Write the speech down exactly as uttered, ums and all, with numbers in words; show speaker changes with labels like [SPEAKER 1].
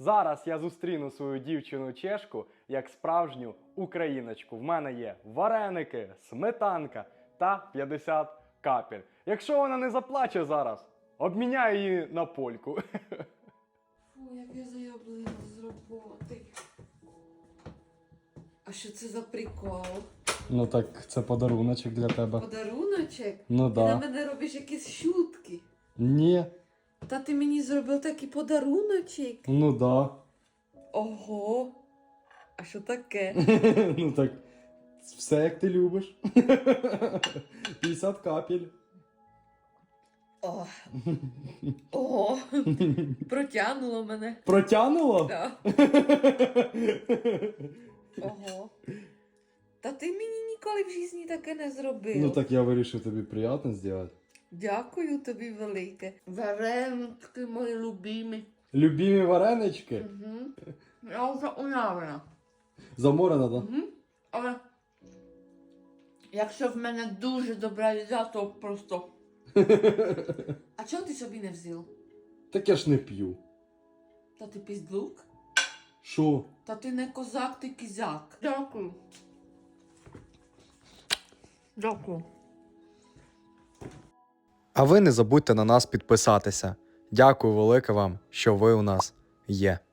[SPEAKER 1] Зараз я зустріну свою дівчину-чешку як справжню україночку. В мене є вареники, сметанка та п'ятдесят капель. Якщо вона не заплаче зараз, обміняю її на польку.
[SPEAKER 2] Фу, як я зайоблена з роботи. А що це за прикол?
[SPEAKER 1] Ну так, це подаруночок для тебе.
[SPEAKER 2] Подаруночок?
[SPEAKER 1] Ну
[SPEAKER 2] Ти
[SPEAKER 1] да.
[SPEAKER 2] на мене робиш якісь шутки.
[SPEAKER 1] Ні.
[SPEAKER 2] Та ти мені зробив такий подаруночок?
[SPEAKER 1] Ну да.
[SPEAKER 2] Ого. А що таке?
[SPEAKER 1] Ну так, все як ти любиш. п'ятдесят капель.
[SPEAKER 2] О. Ого. Протягнуло мене.
[SPEAKER 1] Протягнуло?
[SPEAKER 2] Да. Ого. Та ти мені ніколи в житті таке не зробив.
[SPEAKER 1] Ну так я вирішив тобі приємно зробити.
[SPEAKER 2] Дякую тобі велике. Вареники мої любимі.
[SPEAKER 1] Любімі варенички?
[SPEAKER 2] Угу. Я вже уявлена.
[SPEAKER 1] Заморена, так?
[SPEAKER 2] Угу. Але якщо в мене дуже добра їда, то просто. А чого ти собі не взяв?
[SPEAKER 1] Так я ж не п'ю.
[SPEAKER 2] Та ти піздлук?
[SPEAKER 1] Що?
[SPEAKER 2] Та ти не козак, ти кізяк. Дякую. Дякую.
[SPEAKER 3] А ви не забудьте на нас підписатися. Дякую велике вам, що ви у нас є.